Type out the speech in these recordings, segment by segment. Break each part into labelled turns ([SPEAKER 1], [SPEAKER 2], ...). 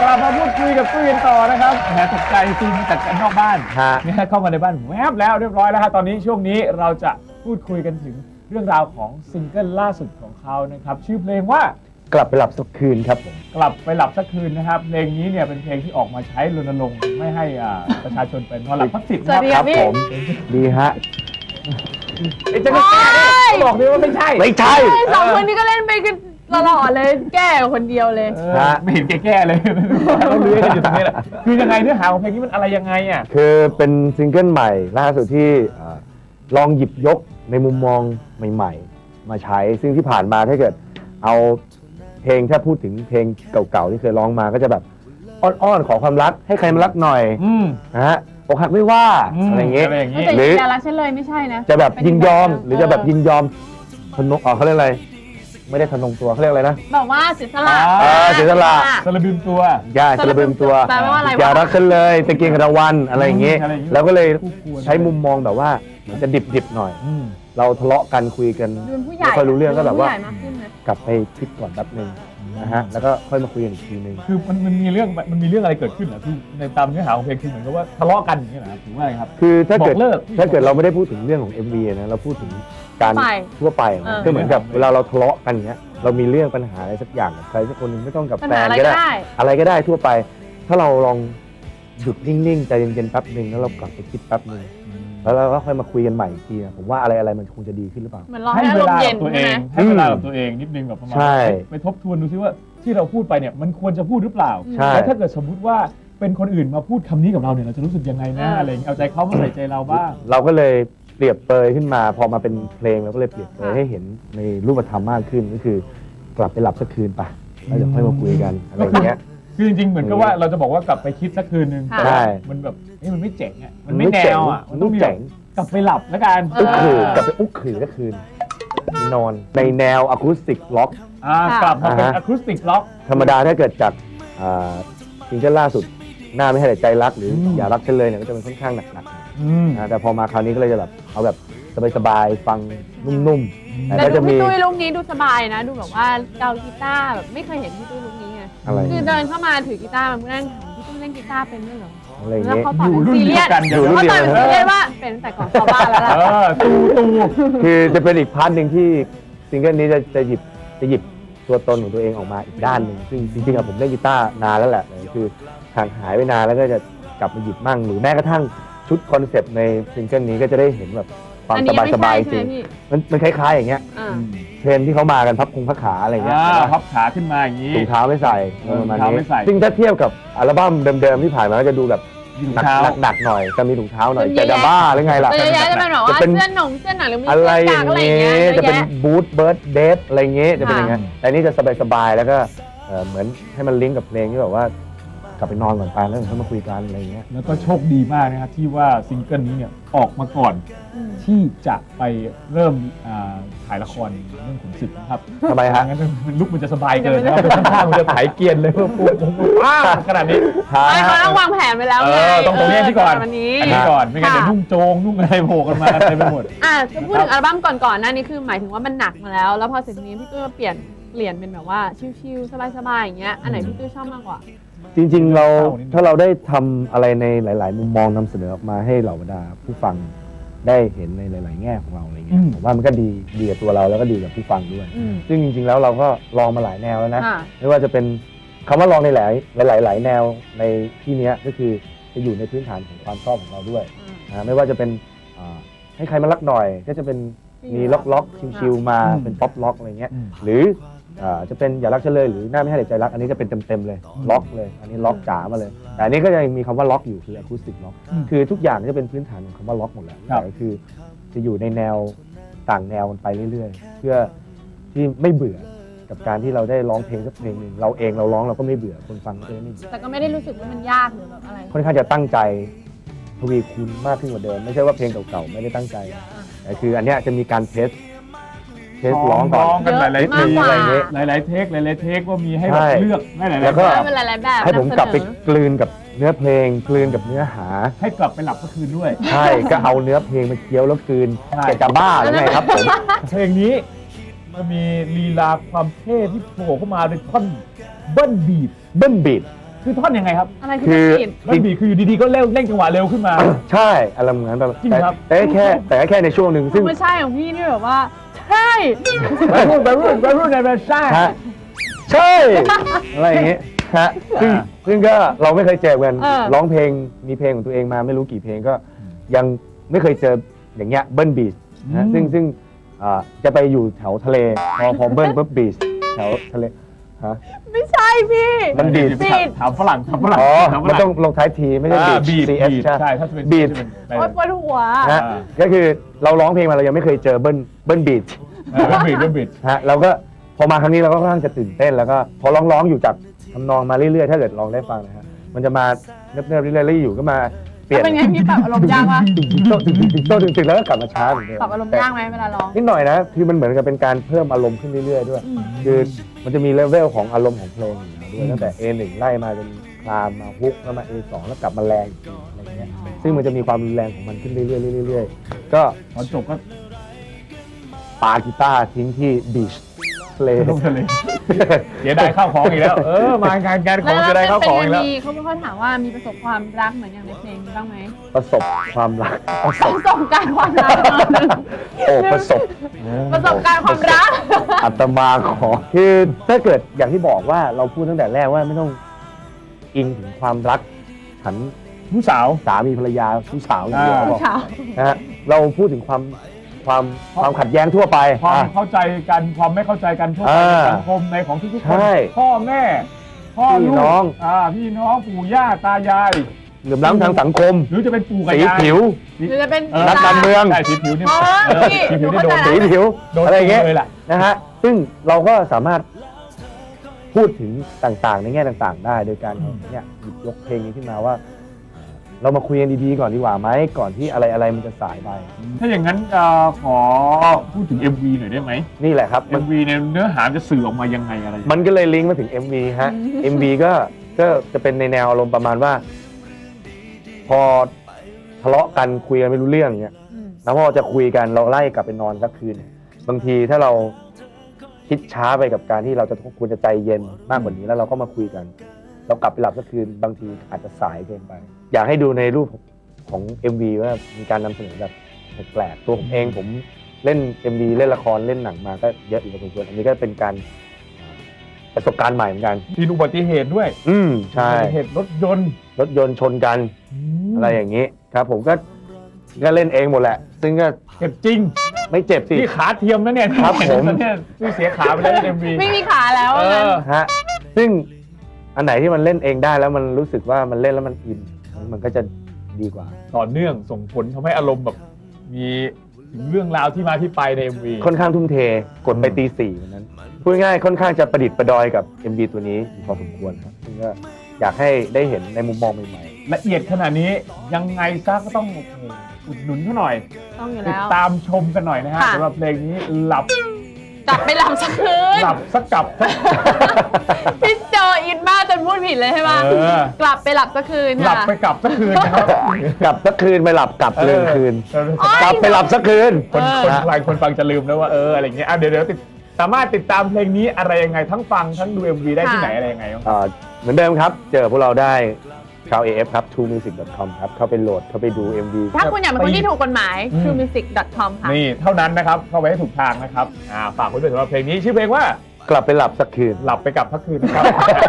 [SPEAKER 1] กลับมาพูดคุยกับตุ้ยกันต่อนะครับแหมตกใจซีนจัดกันนอกบ้านเนี่ยเข้ามาในบ้านแวบแล้วเรียบร้อยแล้วฮะตอนนี้ช่วงนี้เราจะพูดคุยกันถึงเรื่องราวของซิงเกิลล่าสุดของเขานะครับชื่อเพลงว่าก
[SPEAKER 2] ลับไปหลับสักคืนครับผม
[SPEAKER 1] กลับไปหลับสักคืนนะครับเพลงนี้เนี่ยเป็นเพลงที่ออกมาใช้รณรงค์ไม่ให้ประชาชนเป็นนอนหลับพักสิบ
[SPEAKER 2] นะครับผมดีฮะ
[SPEAKER 1] จะไม่แก้บอกเลยว่าไม่ใช่
[SPEAKER 3] สองคนนี้ก็เล่นไปกันตลอดเลยแก้คนเดียวเลย
[SPEAKER 1] ไม่เห็นแก้เลยเราเลื้อยกันอยู่ตรงนี้แหละคือยังไงเนื้อหาของเพลงนี้มันอะไรยังไงอ่ะ
[SPEAKER 2] คือเป็นซิงเกิลใหม่ล่าสุดที่ลองหยิบยกในมุมมองใหม่ๆมาใช้ซึ่งที่ผ่านมาถ้าเกิดเอาเพลงถ้าพูดถึงเพลงเก่าๆที่เคยร้องมาก็จะแบบอ้อนๆขอความรักให้ใครมารักหน่อยนะฮะอกหักไม่ว่าอะไรอย่างเงี้ย
[SPEAKER 3] หรืออย่ารักฉันเลยไม่ใช่นะ
[SPEAKER 2] จะแบบยินยอมหรือจะแบบยินยอมทนงเขาเรียกอะไรไม่ได้ทนงตัวเขาเรียกอะไรนะ
[SPEAKER 3] แบบว่าเสียสละ
[SPEAKER 2] เสียสละ
[SPEAKER 1] สละบึมตัว
[SPEAKER 2] สละบึมตัวอย่ารักฉันเลยตะเกียงระวันอะไรอย่างเงี้ยแล้วก็เลยใช้มุมมองแบบว่าเหมือนจะดิบๆหน่อยเราทะเลาะกันคุยกันไม่ค่อยรู้เรื่องก็แบบว่ากลับไปคิดก่อนแป๊บนึงนะฮะแล้วก็ค่อยมาคุยกันอีกทีนึง
[SPEAKER 1] คือมันมีเรื่องอะไรเกิดขึ้นเหรอพี่ในตามเนื้อหาของเพลงคือเหมือนกับว่าทะเลาะกันอย่างนี้เหรอถือว่าอะไรครับ
[SPEAKER 2] คือถ้าเกิดเราไม่ได้พูดถึงเรื่องของ MV นะเราพูดถึงการทั่วไปก็เหมือนกับเวลาเราทะเลาะกันอย่างเงี้ยเรามีเรื่องปัญหาอะไรสักอย่างกับใครสักคนนึงไม่ต้องกับแฟนก็ได้อะไรก็ได้ทั่วไปถ้าเราลองหยุดนิ่งๆใจเย็นๆแป๊บนึงแล้วเรากลับไปคิดแป๊บนึงแล้วเราก็ค่อยมาคุยกันใหม่อีกทีผมว่าอะไรมันคงจะดีขึ้นหรือเปล่า
[SPEAKER 1] ให้เวลากับตัวเองให้เวลากับตัวเองนิดนึงแบบประมาณไปทบทวนดูซิว่าที่เราพูดไปเนี่ยมันควรจะพูดหรือเปล่าแล้วถ้าเกิดสมมุติว่าเป็นคนอื่นมาพูดคำนี้กับเราเนี่ยเราจะรู้สึกยังไงนะอะไรอย่างเงี้ยเอาใจเขามาใส่ใจเราบ้าง
[SPEAKER 2] เราก็เลยเปรียบเปยขึ้นมาพอมาเป็นเพลงเราก็เลยเปรียบเปยให้เห็นในรูปธรรมมากขึ้นก็คือกลับไปหลับสักคืนไปแล้วเดี๋ยวค่อยมาคุยกันอะไรอย่างเงี้ย
[SPEAKER 1] คือจริงๆเหมือนกับว่าเราจะบอกว่ากลับไปคิดสักคืนนึงแต่มันแบบมันไม่เจ๋งอ่ะมันไม่แนวอ่ะมันต้องเจ๋งกลับไปหลับแล้วกัน
[SPEAKER 2] กลับไปอุ๊กขือสักคืนนอนในแนวอะคูสติกล็อก
[SPEAKER 1] กลับมาเป็นอะคูสติกล็อก
[SPEAKER 2] ธรรมดาถ้าเกิดจากซิงเกิลล่าสุดหน้าไม่ให้ใจรักหรืออย่ารักฉันเลยเนี่ยก็จะเป็นค่อนข้างหนักๆแต่พอมาคราวนี้ก็เลยจะแบบเอาแบบสบายๆฟังนุ่ม
[SPEAKER 3] ๆแต่ดูพี่ตุ้ยลุคนี้ดูสบายนะดูแบบว่าเกากีตาร์แบบไม่เคยเห็นพี่ตุ้ยลุคนี้ไงคือเดินเข้ามาถือกีตาร์มานั่งถามพี่ตุ้ยเล่นกีตาร์เป็นด้วยเหรอแล้วเขาตอบเป็นซีเรียสเขาตอบเป็นซีเรียสว่าเป็นแต่ก่อนชาวบ้านแล้วล่ะ
[SPEAKER 1] ตู
[SPEAKER 2] คือจะเป็นอีกพาร์ทหนึ่งที่ซิงเกิลนี้จะหยิบตัวตนของตัวเองออกมาอีกด้านหนึ่งซึ่งจริงๆผมเล่นกีตาร์นานแล้วแหละคือห่างหายไปนานแล้วก็จะกลับมาหยิบมั่งหรือแม้กระทั่งชุดคอนเซปต์ในซิงเกิลนี้ก็จะได้เห็นแบบความสบายๆจริงมันคล้ายๆอย่างเงี้ยเทรนที่เขามากันพับขาอะไรเงี้ย
[SPEAKER 1] พับขาขึ้นมาอย่างนี้
[SPEAKER 2] ถุงเท้าไม่ใส่ประมาณนี้ซึ่งถ้าเทียบกับอัลบั้มเดิมๆที่ผ่านมาก็จะดูแบบหนักหน่อยจะมีถุงเท้าหน่อยจะบ้าหรือไงล่ะ
[SPEAKER 3] จะเป็นแบบว่าเสื้อหนังหรือมี
[SPEAKER 2] อะไรอย่างเงี้ยจะเป็นบูทเบิร์ดเดทอะไรเงี้ยจะเป็นอย่างเงี้ยแต่นี่จะสบายๆแล้วก็เหมือนให้มันลิงก์กับเพลงที่แบบว่ากลับไปนอนก่อนไปแล้วค่อยมาคุยกันอะไรเงี้ย
[SPEAKER 1] แล้วก็โชคดีมากนะครับที่ว่าซิงเกิลนี้เนี่ยออกมาก่อนที่จะไปเริ่มถ่ายละครเรื่องขุนศึกนะครับ
[SPEAKER 2] ทำไมฮะ
[SPEAKER 1] งั้นลุกมันจะสบายเกินนะครับข้างๆมันจะถ่ายเกียนเลยเพื่อพูดขนาดนี้
[SPEAKER 3] เขาต้องวางแผนไปแล้วไง
[SPEAKER 1] ตรงนี้ที่ก่อนอันนี้ก่อนไม่งั้นเดี๋ยวนุ่งโจงนุ่งอะไรโผล่กันมาเต็มไปหมด
[SPEAKER 3] จะพูดถึงอัลบั้มก่อนๆนั่นนี่คือหมายถึงว่ามันหนักมาแล้วพอเสร็จนี้พี่ตุ้ยเปลี่ยนเป็นแบบว่าชิลๆสบายๆอย่างเงี้ยอันไหนพี่ตุ้ยชอบมากกว่า
[SPEAKER 2] จริงๆถ้าเราได้ทำอะไรในหลายๆมุมมองนำเสนอออกมาให้เหล่าบรรดาผู้ฟังได้เห็นในหลายๆแง่ของเราอะไรเงี้ยผมว่ามันก็ดีกับตัวเราแล้วก็ดีกับผู้ฟังด้วยซึ่งจริงๆแล้วเราก็ลองมาหลายแนวแล้วนะไม่ว่าจะเป็นคำว่าลองในหลายแนวในที่นี้ก็คือจะอยู่ในพื้นฐานของความชอบของเราด้วยไม่ว่าจะเป็นให้ใครมารักหน่อยก็จะเป็นมีล็อกชิลๆมาเป็นป๊อปล็อกอะไรเงี้ยหรือจะเป็นอย่ารักฉันเลยหรือหน้าไม่ให้ใจรักอันนี้จะเป็นเต็มเลยล็อกเลยอันนี้ล็อกจ๋ามาเลยแต่อันนี้ก็ยังมีคำว่าล็อกอยู่คืออะคูสติกล็อกคือทุกอย่างจะเป็นพื้นฐานของคำว่าล็อกหมดแล้วแต่คือจะอยู่ในแนวต่างแนวไปเรื่อยๆเพื่อที่ไม่เบื่อกับการที่เราได้ร้องเพลงสักเพลงหนึ่งเราเองเราร้องเราก็ไม่เบื่อคนฟังก็ไม่เบื่อ
[SPEAKER 3] แต่ก็ไม่ได้รู้สึกว่ามันยากหรือแบบอะไร
[SPEAKER 2] ค่อนข้างจะตั้งใจทวีคูณมากขึ้นกว่าเดิมไม่ใช่ว่าเพลงเก่าๆไม่ได้ตั้งใจแต่คืออันนี้จะมีการเทสร้อง
[SPEAKER 1] กันหลายๆเทคหลายๆเทคว่ามีให้แบบเลือกหลายๆ
[SPEAKER 2] แล้วก็ให้ผมกลับไปกลืนกับเนื้อเพลงกลืนกับเนื้อหา
[SPEAKER 1] ให้กลับไปหลับก็คืนด้วย
[SPEAKER 2] ใช่ก็เอาเนื้อเพลงมาเคี้ยวแล้วกลืนจะบ้าหรือไงครับผม
[SPEAKER 1] เพลงนี้มันมีลีลาความเท่ที่โผล่เข้ามาในท่อนเบิ้ลบีทคือท่อนยังไงครับ
[SPEAKER 3] อะไรคือ
[SPEAKER 1] มันบีคืออยู่ดีๆก็เร่งจังหวะเร็วขึ้นมา
[SPEAKER 2] ใช่อารมณ์งั้น
[SPEAKER 1] จริงครับ
[SPEAKER 2] แต่แค่ในช่วงหนึ่งซึ่ง
[SPEAKER 3] ไม่ใช่ของพี่นี่แบบว่าใช่
[SPEAKER 1] ไปรุ่นในแบบใช่
[SPEAKER 2] อะไรอย่างเงี้ยฮะซึ่งก็เราไม่เคยเจอกันร้องเพลงมีเพลงของตัวเองมาไม่รู้กี่เพลงก็ยังไม่เคยเจออย่างเงี้ยเบิ้ลบีชนะซึ่งจะไปอยู่แถวทะเลพอเบิ้ลปุ๊บบีชแถวทะเลฮะ
[SPEAKER 3] ไม่ใช่พี่
[SPEAKER 2] มันบีช
[SPEAKER 1] ถามฝรั่ง
[SPEAKER 2] อ๋อมันต้องลงท้ายทีไม่ใช่บีช
[SPEAKER 1] ใช่ถ้าจะเป็น
[SPEAKER 2] บีช
[SPEAKER 3] ปวดหัว
[SPEAKER 2] นะก็คือเราร้องเพลงมาเรายังไม่เคยเจอเบิ้ลบีชฮะเราก็พอมาครั้งนี้เราก็ค่อนข้างจะตื่นเต้นแล้วก็พอร้องอยู่จากทำนองมาเรื่อยๆถ้าเกิดลองได้ฟังนะฮะมันจะมาเนิบๆเรื่อยๆแล้วอยู่ก็มาเปลี่ยน
[SPEAKER 3] เป็นไงพี่ปรับอารมณ์ยากวะ
[SPEAKER 2] ถึงแล้วก็กลับมาช้าเหมือนเดิม
[SPEAKER 3] ปรับอารมณ์ยากไหมเวลาร้อง
[SPEAKER 2] นิดหน่อยนะคือมันเหมือนกับเป็นการเพิ่มอารมณ์ขึ้นเรื่อยๆด้วยคือมันจะมีเลเวลของอารมณ์ของเพลงอยู่ด้วยตั้งแต่ A1 ไล่มาจนคลามมาฮุกแล้วมา A2 แล้วกลับมาแรงอีกอะไรเงี้ยซึ่งมันจะมีความรุนแรงของมันขึ้นเรื่อยๆก็
[SPEAKER 1] ตอนจบก็
[SPEAKER 2] ปากีตาร์ทิ้งที่บีชทะเล
[SPEAKER 1] เดี๋ยวได้ข้าวของอีกแล้วมางานการของจะได้ข้าวของอีกแล้ว
[SPEAKER 3] เขาไม่ค่อยถามว่ามีประสบความรักเหมือนอย่างในเพลงบ้างไหม
[SPEAKER 2] ประสบความรัก
[SPEAKER 3] ประสบการณ์ความรัก
[SPEAKER 2] ประสบ
[SPEAKER 3] การณ์ความรัก
[SPEAKER 2] อัตมาขอคือถ้าเกิดอย่างที่บอกว่าเราพูดตั้งแต่แรกว่าไม่ต้องอิงถึงความรักฉัน
[SPEAKER 1] ผู้สาว
[SPEAKER 2] สามีภรรยาผู้สาวอย่างเดียวนะฮะเราพูดถึงความขัดแย้งทั่วไป
[SPEAKER 1] ความเข้าใจกันความไม่เข้าใจกันทั่วไปในสังคมในของทุกๆคนพ่อแม่พ่อลูกพี่น้องปู่ย่าตายาย
[SPEAKER 2] เหลื่อมล้ำทางสังคม
[SPEAKER 1] หรือจะเป็นปู่กับ
[SPEAKER 2] ยายสีผิว
[SPEAKER 3] หรือจะเป็น
[SPEAKER 2] นักการเมือง
[SPEAKER 1] สีผิวนี่
[SPEAKER 2] สีผิวนี่โดนสีผิวอะไรอย่างเงี้ยนะฮะซึ่งเราก็สามารถพูดถึงต่างๆในแง่ต่างๆได้โดยการเนี่ยหยิบยกเพลงนี้ขึ้นมาว่าเรามาคุยกันดีๆก่อนดีกว่าไหมก่อนที่อะไรมันจะสายไป
[SPEAKER 1] ถ้าอย่างนั้นขอพูดถึง MV หน่อยได้ไหม
[SPEAKER 2] นี่แหละครับ
[SPEAKER 1] MV ในเนื้อหาจะสื่อออกมายังไงอะไร
[SPEAKER 2] มันก็เลยลิงก์มาถึง MV ฮะ MV ก็จะเป็นในแนวอารมณ์ประมาณว่าพอทะเลาะกันคุยกันไม่รู้เรื่องเงี้ยแล้วพอจะคุยกันเราไล่กลับไปนอนสักคืนบางทีถ้าเราคิดช้าไปกับการที่เราจะควรจะใจเย็นมากกว่านี้แล้วเราก็มาคุยกันเรากลับไปหลับสักคืนบางทีอาจจะสายเกินไปอยากให้ดูในรูปของ MV ว่ามีการนำเสนอแบบแปลกๆตัวผมเองผมเล่น MV เล่นละครเล่นหนังมาก็เยอะอยู่พอสมควรอันนี้ก็เป็นการประสบการณ์ใหม่เหมือนกัน
[SPEAKER 1] มีอุบัติเหตุด้วย
[SPEAKER 2] ใช่
[SPEAKER 1] อุบัติเหตุรถยนต์
[SPEAKER 2] ชนกันอะไรอย่างนี้ครับผมก็เล่นเองหมดแหละซึ่งก็
[SPEAKER 1] เจ็บจริง
[SPEAKER 2] ไม่เจ็บสิ
[SPEAKER 1] ที่ขาเทียมนะเนี่ย
[SPEAKER 2] ครับผม
[SPEAKER 1] เนี่ยที่เสียขาไปแล้วใน MV
[SPEAKER 3] ไม่มีขาแล้ว
[SPEAKER 2] ฮะซึ่งอันไหนที่มันเล่นเองได้แล้วมันรู้สึกว่ามันเล่นแล้วมันอินมันก็จะดีกว่า
[SPEAKER 1] ต่อเนื่องส่งผลทำให้อารมณ์แบบมีถึงเรื่องราวที่มาที่ไปใน MV
[SPEAKER 2] ค่อนข้างทุ่มเทกดไปตี 4วันนั้นพูดง่ายค่อนข้างจะประดิษฐ์ประดอยกับ MV ตัวนี้พอสมควรครับซึ่งก็อยากให้ได้เห็นในมุมมองใหม่
[SPEAKER 1] ๆละเอียดขนาดนี้ยังไงซะก็ต้องอุดหนุนเขาหน่อย
[SPEAKER 3] ต้องอยู่แล้ว
[SPEAKER 1] ติดตามชมกันหน่อยนะฮะสำหรับเพลงนี้หลับ
[SPEAKER 3] กลับไปหลับสักคืน
[SPEAKER 1] หลับสักกลับ
[SPEAKER 3] พี่โจอินมากจนพูดผิดเลยใช่ไหมกลับไปหลับสักคืน
[SPEAKER 1] หลับไปกลับสักคืนนะครับ
[SPEAKER 2] กลับสักคืนไปหลับกลับเลยคืนกลับไปหลับสักคืน
[SPEAKER 1] คนฟังจะลืมแล้วว่าอะไรอย่างเงี้ยเดี๋ยวสามารถติดตามเพลงนี้อะไรยังไงทั้งฟังทั้งดู MV ได้ที่ไหนอะไรยังไง
[SPEAKER 2] เหมือนเดิมครับเจอพวกเราได้ชาว AF ครับ truemusic.com ครับเข้าไปโหลดเข้าไปดู MV
[SPEAKER 3] ถ้าคุณอยากเป็นคนที่ถูกกฎหมาย truemusic.com ค่ะ
[SPEAKER 1] นี่เท่านั้นนะครับเข้าไปให้ถูกทางนะครับฝากไว้ด้วยสำหรับเพลงนี้ชื่อเพลงว่าก
[SPEAKER 2] ลับไปหลับสักคืน
[SPEAKER 1] หลับไปกลับสักคืนนะครับ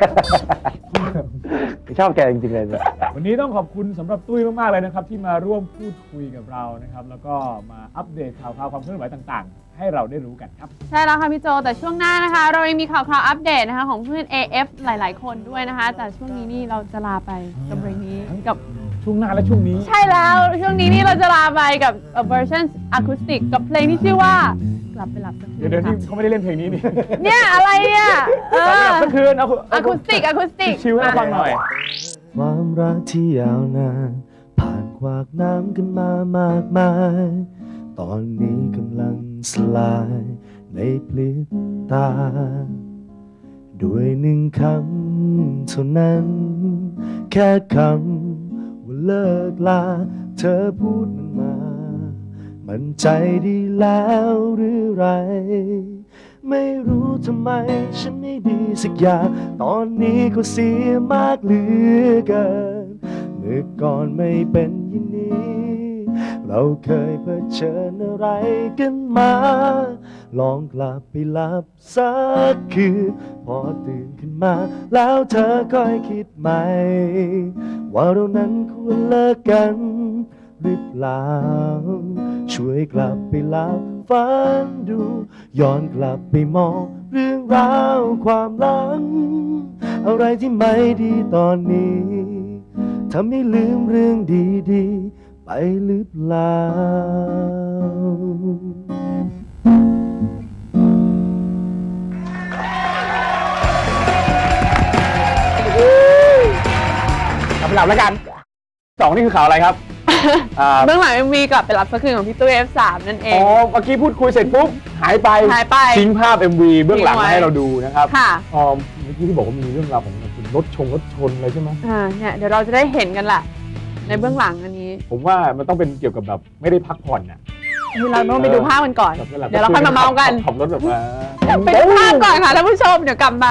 [SPEAKER 2] ชอบแกจริงๆเลย
[SPEAKER 1] วันนี้ต้องขอบคุณสำหรับตุ้ยมากๆเลยนะครับที่มาร่วมพูดคุยกับเรานะครับแล้วก็มาอัปเดตข่าวความเคลื่อนไหวต่างๆให้เราได้รู้กันครับ
[SPEAKER 3] ใช่แล้วค่ะพี่โจแต่ช่วงหน้านะคะเรายังมีข่าวอัปเดตนะคะของเพื่อน AF หลายๆคนด้วยนะคะแต่ช่วงนี้นี่เราจะลาไปกับเพลงนี้กับ
[SPEAKER 1] ช่วงหน้าและช่วงนี้
[SPEAKER 3] ใช่แล้วช่วงนี้นี่เราจะลาไปกับเวอร์ชันอะคูสติกกับเพลงที่ชื่อว่ากลับไปหลับสักคืน
[SPEAKER 1] เดี๋ยวนี่เขาไม่ได้เล่นเพลงนี้นี่
[SPEAKER 3] เนี่ยอะไรเนี่ย
[SPEAKER 1] สักคืน
[SPEAKER 3] อะคูสติก
[SPEAKER 1] ชิวให้ฟังหน่อย
[SPEAKER 2] ความรักที่ยาวนานผ่านขวากน้ำกันมามากมายตอนนี้กำลังสลายในพริบตาด้วย1 คำเท่านั้นแค่คำว่าเลิกลาเธอพูดมันมามันใจดีแล้วหรือไร
[SPEAKER 4] ไม่รู้ทำไมฉันไม่ดีสักอย่างตอนนี้ก็เสียมากเหลือเกินเมื่อก่อนไม่เป็นอย่างนี้เราเคยเผชิญอะไรกันมาลองกลับไปหลับสักคืนพอตื่นขึ้นมาแล้วเธอค่อยคิดใหม่ว่าเรานั้นควรเลิกกันหรือเปล่าช่วยกลับไปหลับฝันดูย้อนกลับไปมองเรื่องราวความหลังอะไรที่ไม่ดีตอนนี้ทำให้ลืมเรื่องดีๆไปหรือเปล่า
[SPEAKER 1] กลับไปหลับแล้วกัน2นี่คือข่าวอะไรครับ
[SPEAKER 3] เบื้องหลังมีกลับไปรับสักคืนของพี่ตุ้ย F3 นั่นเอง
[SPEAKER 1] อ๋อเมื่อกี้พูดคุยเสร็จปุ๊บหายไปทิ้งภาพ MV เบื้องหลังมาให้เราดูนะครับ
[SPEAKER 3] ค่ะ
[SPEAKER 1] เมื่อกี้ที่บอกว่ามีเรื่องราวของรถชนอะไรใช่ไหม
[SPEAKER 3] เนี่ยเดี๋ยวเราจะได้เห็นกันแหละในเบื้องหลังอันนี้
[SPEAKER 1] ผมว่ามันต้องเป็นเกี่ยวกับแบบไม่ได้พักผ่อนน่ะ
[SPEAKER 3] เราต้องไปดูภาพกันก่อนเดี๋ยวเราค่อยมาเมากัน
[SPEAKER 1] ขับรถแบบว่า
[SPEAKER 3] ไปดูภาพก่อนค่ะท่านผู้ชมเดี๋ยวกลับมา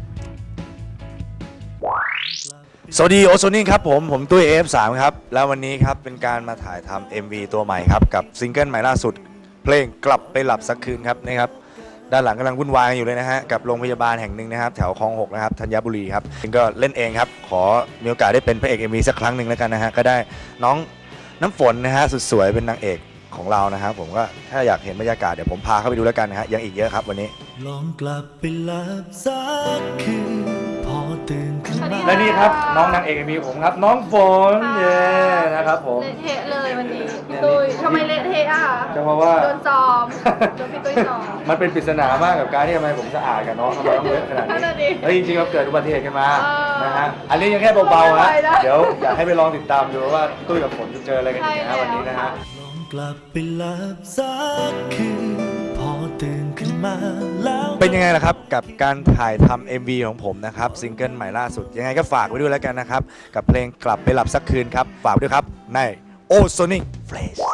[SPEAKER 4] สวัสดีโอโซนิ่งครับผมตุ้ย F3 ครับแล้ววันนี้ครับเป็นการมาถ่ายทำ MV ตัวใหม่ครับกับซิงเกิลใหม่ล่าสุดเพลงกลับไปหลับสักคืนครับนะครับด้านหลังกำลังวุ่นวายอยู่เลยนะฮะกับโรงพยาบาลแห่งหนึ่งนะครับแถวคลอง 6นะครับธัญบุรีครับก็เล่นเองครับขอมีโอกาสได้เป็นพระเอก MV สักครั้งหนึ่งแล้วกันนะฮะก็ได้น้องน้ำฝนนะฮะสุดสวยเป็นนางเอกของเรานะครับผมก็ถ้าอยากเห็นบรรยากาศเดี๋ยวผมพาเข้าไปดูแล้วกันนะฮะยังอีกเยอะครับวันนี้ลองกลับไปหลับสักคืนพอตื่นขึ้นมาและนี่ครับน้องนางเอกมีผมครับน้องฝนเย้นะครับผม
[SPEAKER 3] เละเทะเลยวันนี้พี่ตุ้ยทำไมเละเทะอ่ะ
[SPEAKER 4] ก็เพราะว่า
[SPEAKER 3] โดนจอมโดนพี่ตุ้ยจอม
[SPEAKER 4] มันเป็นปริศนามากกับการที่ทำไมผมสะอาดกับน้องทำไมต้องเลอะขนาดนี้แล้วจริงๆเราเกิดอุบัติเหตุกันมานะฮะอันนี้ยังแค่เบาๆนะเดี๋ยวอยากให้ไปลองติดตามดูว่าตุ้ยกับฝนจะเจออะไรกันอีกนะวันนี้นะฮะกลับไปหลับสักคืนพอตื่นขึ้นมาแล้วเป็นยังไงล่ะครับกับการถ่ายทำ MV ของผมนะครับซิงเกิลใหม่ล่าสุดยังไงก็ฝากไว้ด้วยแล้วกันนะครับกับเพลงกลับไปหลับสักคืนครับฝากด้วยครับใน Ozonic Flash